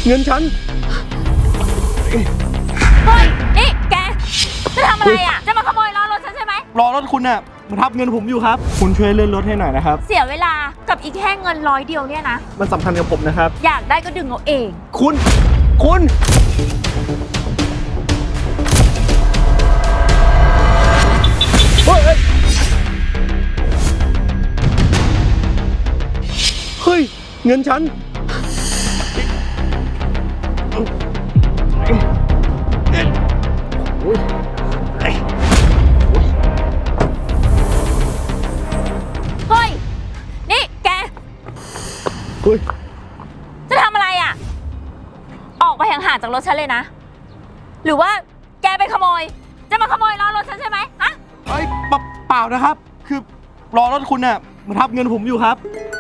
เงินฉันเฮ้ยนี่แกจะทำอะไรอ่ะจะมาขโมยล้อรถฉันใช่ไหมรอรถคุณน่ะมาทับเงินผมอยู่ครับคุณช่วยเลื่อนรถให้หน่อยนะครับเสียเวลากับอีกแค่เงิน100 เดียวเนี่ยนะมันสำคัญกับผมนะครับอยากได้ก็ดึงเอาเองคุณเฮ้ยเงินฉันเฮ้ยนี่แกเฮ้ยจะทำอะไรอ่ะออกไปห่างๆจากรถฉันเลยนะหรือว่าแกไปขโมยจะมาขโมยล้อรถฉันใช่ไหมฮะเอ้ยเปล่านะครับคือรอรถคุณน่ะมาทับเงินผมอยู่ครับ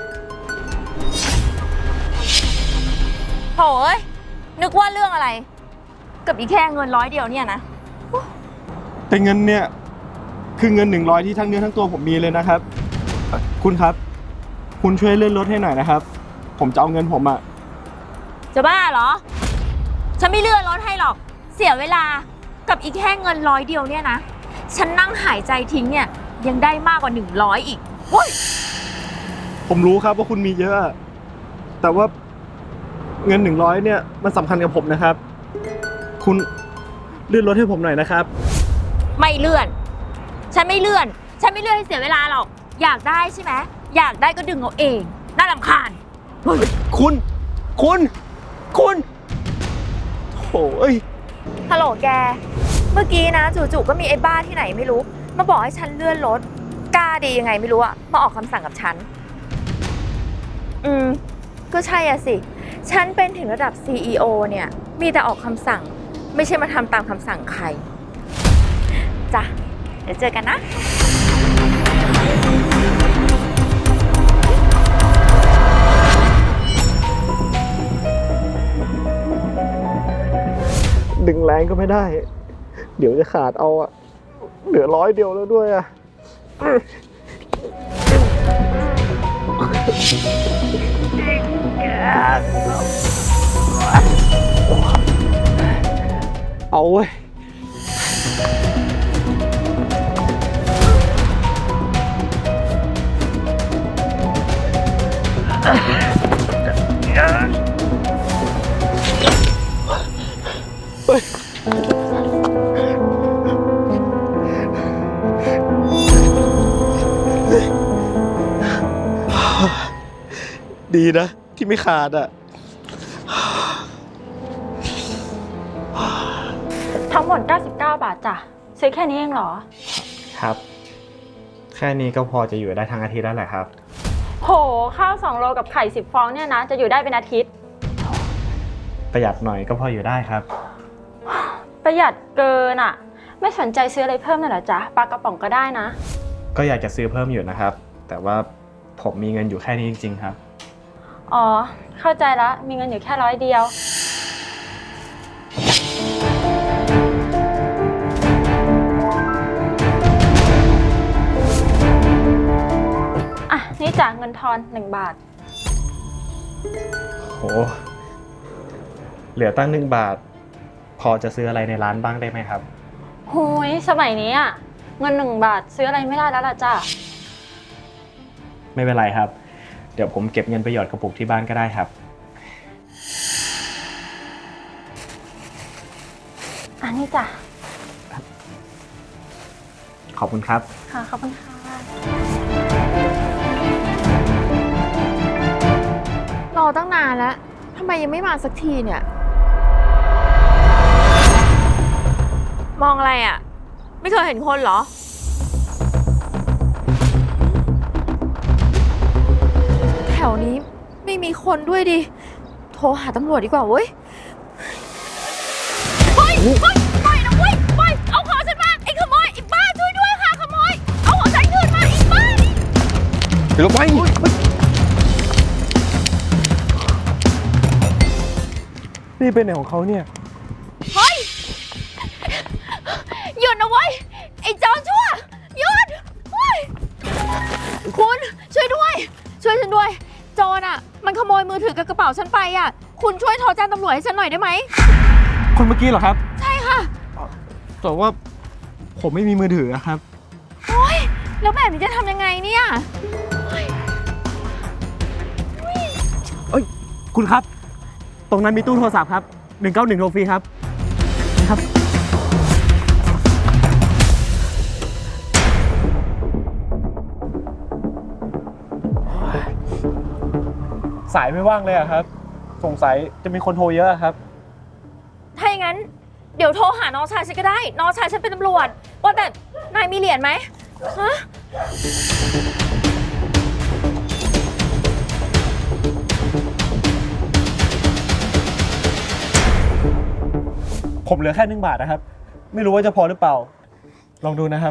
โถ่เอ้ยนึกว่าเรื่องอะไรกับอีกแค่เงิน100 เดียวเนี่ยนะแต่เงินเนี่ยคือเงิน100ที่ทั้งเนื้อทั้งตัวผมมีเลยนะครับคุณครับคุณช่วยเลื่อนรถให้หน่อยนะครับผมจะเอาเงินผมอ่ะจะบ้าเหรอฉันไม่เลื่อนรถให้หรอกเสียเวลากับอีกแค่เงิน100 เดียวเนี่ยนะฉันนั่งหายใจทิ้งเนี่ยยังได้มากกว่า100อีกโอ้ยผมรู้ครับว่าคุณมีเยอะแต่ว่าเงิน100เนี่ยมันสำคัญกับผมนะครับคุณเลื่อนรถให้ผมหน่อยนะครับไม่เลื่อนฉันไม่เลื่อนให้เสียเวลาหรอกอยากได้ใช่ไหมอยากได้ก็ดึงเอาเองน่ารำคาญคุณโถ่ฮัลโหลแกเมื่อกี้นะจู่ๆก็มีไอ้บ้าที่ไหนไม่รู้มาบอกให้ฉันเลื่อนรถกล้าดียังไงไม่รู้อะมาออกคำสั่งกับฉันก็ใช่อะสิฉันเป็นถึงระดับ CEO เนี่ยมีแต่ออกคำสั่งไม่ใช่มาทำตามคำสั่งใครจ้ะเดี๋ยวเจอกันนะดึงแรงก็ไม่ได้เดี๋ยวจะขาดเอาอะเหลือ100 เดียวแล้วด้วยอะเอาเว้ยดีนะที่ไม่ขาดอ่ะทั้งหมด99 บาทจ้ะซื้อแค่นี้เองเหรอครับแค่นี้ก็พอจะอยู่ได้ทั้งอาทิตย์แล้วแหละครับโหข้าว2 โลกับไข่10 ฟองเนี่ยนะจะอยู่ได้เป็นอาทิตย์ประหยัดหน่อยก็พออยู่ได้ครับประหยัดเกินอ่ะไม่สนใจซื้ออะไรเพิ่มหน่อยเหรอจ๊ะปลากระป๋องก็ได้นะก็อยากจะซื้อเพิ่มอยู่นะครับแต่ว่าผมมีเงินอยู่แค่นี้จริงๆครับอ๋อเข้าใจแล้วมีเงินอยู่แค่100 เดียวอ่ะนี่จ่ายเงินทอน1 บาทโหเหลือตั้ง1 บาทพอจะซื้ออะไรในร้านบ้างได้ไหมครับโหยสมัยนี้อ่ะเงิน1 บาทซื้ออะไรไม่ได้แล้วล่ะจ้ะไม่เป็นไรครับเดี๋ยวผมเก็บเงินไปหยอดกระปุกที่บ้านก็ได้ครับอันนี้จ้ะขอบคุณครับค่ะขอบคุณค่ะรอตั้งนานแล้วทำไมยังไม่มาสักทีเนี่ยมองอะไรอ่ะไม่เคยเห็นคนเหรอแถวนี้ไม่มีคนด้วยดิโทรหาตำรวจดีกว่าเว้ยเฮ้ยปล่อยนะเว้ยปล่อยเอาของฉันมาไอ้ขโมยไอ้บ้าช่วยด้วยค่ะขโมยเอาของฉันคืนมาไอ้บ้าเดี๋ยวไปนี่เป็นไหนของเขาเนี่ยเฮ้ยหยุดนะเว้ยไอ้จอนชั่วหยุดเฮ้ยคุณช่วยด้วยช่วยฉันด้วยโจรอ่ะมันขโมยมือถือกับกระเป๋าฉันไปอ่ะ คุณช่วยโทรแจ้งตำรวจให้ฉันหน่อยได้ไหมคนเมื่อกี้เหรอครับใช่ค่ะแต่ว่าผมไม่มีมือถืออะครับแล้วแบบนี้จะทำยังไงเนี่ยคุณครับ ตรงนั้นมีตู้โทรศัพท์ครับ 191โทรฟรีครับครับ สายไม่ว่างเลยอะครับ สงสัยจะมีคนโทรเยอะอะครับถ้าอย่างนั้น เดี๋ยวโทรหาน้องชายฉันก็ได้ น้องชายฉันเป็นตำรวจ ว่าแต่นายมีเหรียญไหมฮะผมเหลือแค่1 บาทนะครับ ไม่รู้ว่าจะพอหรือเปล่า ลองดูนะครับ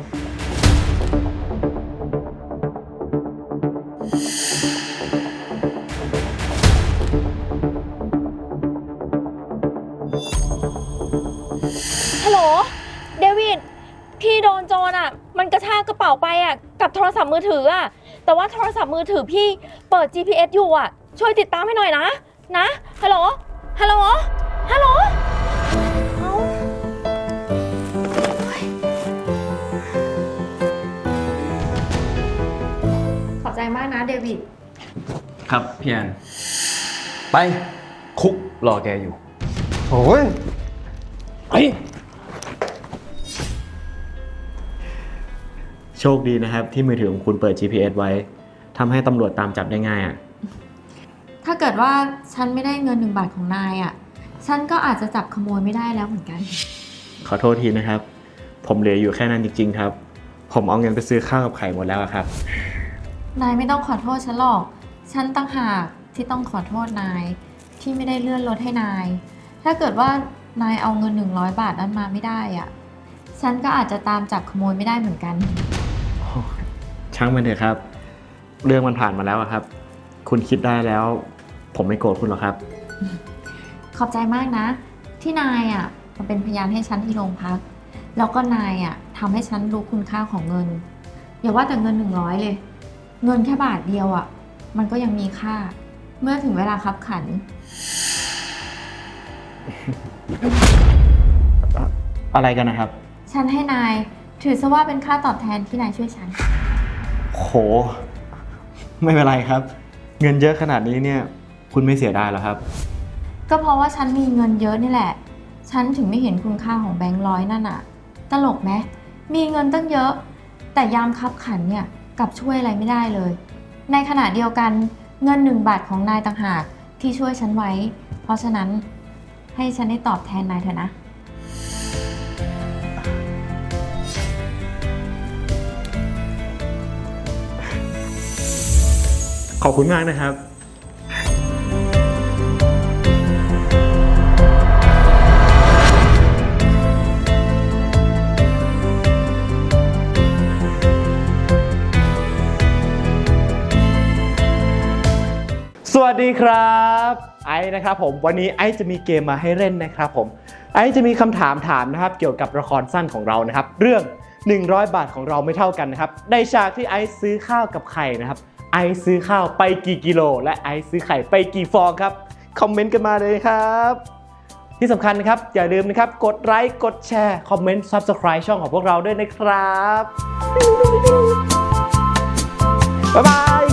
ฮัลโหล เดวิด พี่โดนโจรอ่ะ มันกระชากกระเป๋าไปอ่ะ กับโทรศัพท์มือถืออ่ะ แต่ว่าโทรศัพท์มือถือพี่เปิด GPS อยู่อ่ะ ช่วยติดตามให้หน่อยนะ นะ ฮัลโหล ฮัลโหล ฮัลโหลเอ้าขอบใจมากนะเดวิดครับพี่แอนไปคุกรอแกอยู่โอ้ยไปโชคดีนะครับที่มือถือของคุณเปิด GPS ไว้ทำให้ตำรวจตามจับได้ง่ายอ่ะถ้าเกิดว่าฉันไม่ได้เงิน1 บาทของนายอ่ะ ฉันก็อาจจะจับขโมยไม่ได้แล้วเหมือนกันขอโทษทีนะครับ ผมเหลืออยู่แค่นั้นจริงๆครับ ผมเอาเงินไปซื้อข้าวกับไข่หมดแล้วอะครับนายไม่ต้องขอโทษฉันหรอก ฉันต่างหากที่ต้องขอโทษนายที่ไม่ได้เลื่อนรถให้นาย ถ้าเกิดว่านายเอาเงิน100 บาทนั้นมาไม่ได้อ่ะ ฉันก็อาจจะตามจับขโมยไม่ได้เหมือนกันช่างมันเถอะครับ เรื่องมันผ่านมาแล้วอะครับ คุณคิดได้แล้ว ผมไม่โกรธคุณหรอกครับขอบใจมากนะ ที่นายอ่ะมาเป็นพยานให้ฉันที่โรงพัก แล้วก็นายอ่ะทำให้ฉันรู้คุณค่าของเงิน อย่าว่าแต่เงิน100เลย เงินแค่บาทเดียวอ่ะ มันก็ยังมีค่า เมื่อถึงเวลาคับขันอะไรกันนะครับฉันให้นายถือซะว่าเป็นค่าตอบแทนที่นายช่วยฉันโห ไม่เป็นไรครับ เงินเยอะขนาดนี้เนี่ย คุณไม่เสียดายหรอครับก็เพราะว่าฉันมีเงินเยอะนี่แหละ ฉันถึงไม่เห็นคุณค่าของแบงค์ร้อยนั่นอ่ะ ตลกไหมมีเงินตั้งเยอะ แต่ยามคับขันเนี่ยกลับช่วยอะไรไม่ได้เลย ในขณะเดียวกันเงิน1 บาทของนายต่างหากที่ช่วยฉันไว้ เพราะฉะนั้นให้ฉันได้ตอบแทนนายเถอะนะขอบคุณมากนะครับสวัสดีครับไอซ์นะครับผมวันนี้ไอซ์จะมีเกมมาให้เล่นนะครับผมไอซ์จะมีคำถามนะครับเกี่ยวกับละครสั้นของเรานะครับเรื่อง100 บาทของเราไม่เท่ากันนะครับในฉากที่ไอซ์ซื้อข้าวกับไข่นะครับไอซ์ซื้อข้าวไปกี่กิโลและไอซ์ซื้อไข่ไปกี่ฟองครับคอมเมนต์กันมาเลยครับที่สำคัญนะครับอย่าลืมนะครับกดไลค์กดแชร์คอมเมนต์ Subscribe ช่องของพวกเราด้วยนะครับบ๊ายบาย